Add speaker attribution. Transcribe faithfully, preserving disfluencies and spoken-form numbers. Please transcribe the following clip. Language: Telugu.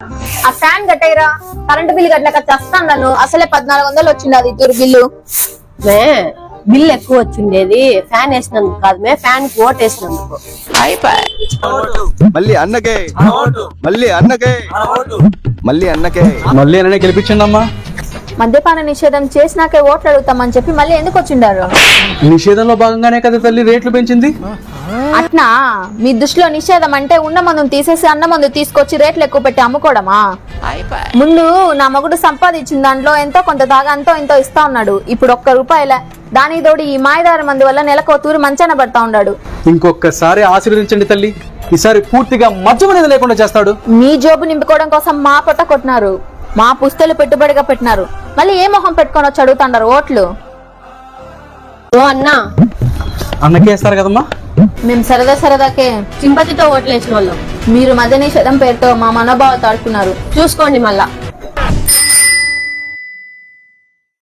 Speaker 1: ఆ ఫ్యాన్ కట్టేరా, కరెంటు బిల్లు కట్టలేక చస్తాను. అసలే పద్నాలుగు వందలు వచ్చింది అది ఇద్దరు బిల్లు.
Speaker 2: మే బిల్ ఎక్కువ వచ్చిండేది ఫ్యాన్ వేసినందుకు కాదు, మే ఫ్యాన్ కి ఓట్ వేసినందుకు.
Speaker 3: మళ్ళీ అన్నకే మళ్ళీ అన్నకే మళ్ళీ అన్నకే
Speaker 4: మళ్ళీ అన్ననే గెలిపించండి అమ్మా.
Speaker 1: మద్యపాన నిషేధం చేసినాకే ఓట్లు అడుగుతామని చెప్పి మళ్ళీ ఎందుకు వచ్చిండారు?
Speaker 4: నిషేధంలో భాగంగానే కదా తల్లి రేట్లు పెంచింది.
Speaker 1: అట్నా మీ దృష్టిలో నిషేధం అంటే ఉన్న మందును తీసేసి అన్న మందు తీసుకొచ్చి రేట్లు ఎక్కువ పెట్టి అమ్ముకోవడమా? ముందు నా మగుడు సంపాదించిన దాంట్లో ఎంతో కొంత తాగా ఎంతో ఎంతో ఇస్తా ఉన్నాడు. ఇప్పుడు ఒక్క రూపాయల దానికి తోడు ఈ మాయదారి మందు వల్ల నెలకు తూరి మంచాన పడతా ఉన్నాడు.
Speaker 4: ఇంకొకసారి ఆశీర్వదించండి తల్లి, ఈసారి పూర్తిగా మద్యం అనేది లేకుండా చేస్తాడు.
Speaker 1: మీ జోబు నింపుకోవడం కోసం మా పొట్ట కొట్టినారు, మా పుస్తలు పెట్టుబడిగా పెట్టినారు. మళ్ళీ ఏ మొహం పెట్టుకొని వచ్చి అడుగుతాండారు ఓట్లు?
Speaker 2: ఓ అన్నా,
Speaker 4: అన్నకే వేస్తారు కదమ్మా.
Speaker 1: మేము సరదా సరదాకే
Speaker 2: సింపతితో ఓట్లు వేసిన వాళ్ళం.
Speaker 1: మీరు మద్య నిషేధం పేరుతో మా మనోభావాలు తాడుకున్నారు.
Speaker 2: చూసుకోండి మళ్ళా.